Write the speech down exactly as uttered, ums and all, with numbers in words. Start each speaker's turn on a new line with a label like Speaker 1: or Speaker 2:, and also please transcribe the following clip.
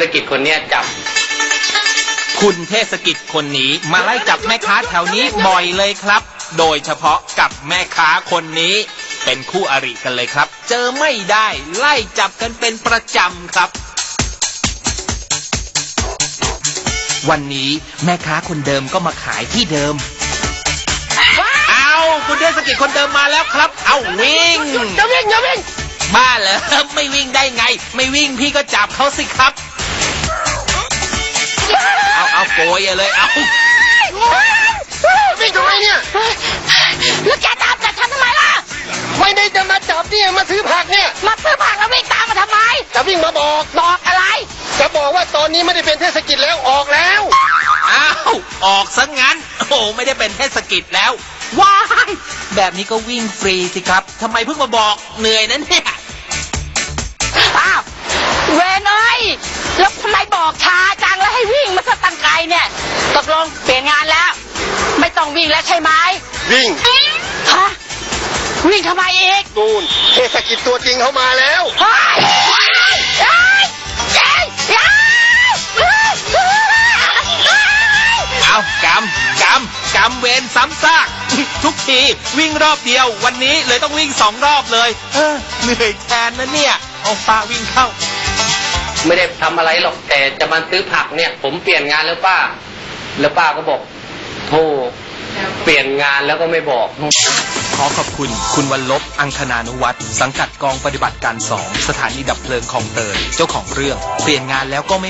Speaker 1: กิจคนเนี้ยจับ
Speaker 2: คุณเทศกิจคนนี้มาไล่จับแม่ค้าแถวนี้บ่อยเลยครับโดยเฉพาะกับแม่ค้าคนนี้เป็นคู่อริกันเลยครับเจอไม่ได้ไล่จับกันเป็นประจำครับวันนี้แม่ค้าคนเดิมก็มาขายที่เดิมเอาคุณเทศกิจคนเดิมมาแล้วครับเอาวิ่ง
Speaker 1: อย่าวิ่งอย่าวิ่ง
Speaker 2: บ้าเหรอไม่วิ่งได้ไงไม่วิ่งพี่ก็จับเขาสิครับเอาเอาโกยเลยเอา
Speaker 1: วิ่งทำไมเนี่ย
Speaker 3: แล้วแกตามจับฉันทำไมล่ะ
Speaker 1: ไม่ได้จะมาจับเนี่ยมาซื้อผักเนี่ย
Speaker 3: มาซื้อผักแล้ววิ่งตามมาทำไม
Speaker 1: จะวิ่งมาบอก
Speaker 3: บอกอะไร
Speaker 1: จะบอกว่าตอนนี้ไม่ได้เป็นเทศกิจแล้วออกแล้ว
Speaker 2: อ้าวออกซะงั้นโอ้ไม่ได้เป็นเทศกิจแล้วว้ายแบบนี้ก็วิ่งฟรีสิครับทำไมเพิ่งมาบอกเหนื่อยนั้นเนี่ย
Speaker 3: อ้าวเวนเอ้ยแล้วทำไมบอกช้าจังแล้วให้วิ่งมาซะตั้งไกลเนี่ยตกลงเปลี่ยนงานแล้วไม่ต้องวิ่งแล้วใช่ไหม
Speaker 1: วิ่ง
Speaker 3: ฮะวิ่งทำไมอีก
Speaker 1: ตูนเทศกิจตัวจริงเขามาแล้ว
Speaker 3: เฮ้ยเฮ้ยเฮ้ยเฮ้ย
Speaker 2: เอากำกำกำเวรซ้ำซากทุกทีวิ่งรอบเดียววันนี้เลยต้องวิ่งสองรอบเลยเออเหนื่อยแทนนะเนี่ยเอาป้าวิ่งเข้า
Speaker 1: ไม่ได้ทำอะไรหรอกแต่จะมาซื้อผักเนี่ยผมเปลี่ยนงานแล้วป้าแล้วป้าก็บอกโธ่เปลี่ยนงานแล้วก็ไม่บอก
Speaker 2: ขอขอบคุณคุณวรรลบอังคณานุวัฒน์สังกัดกองปฏิบัติการสองสถานีดับเพลิงคลองเตยเจ้าของเรื่องเปลี่ยนงานแล้วก็ไม่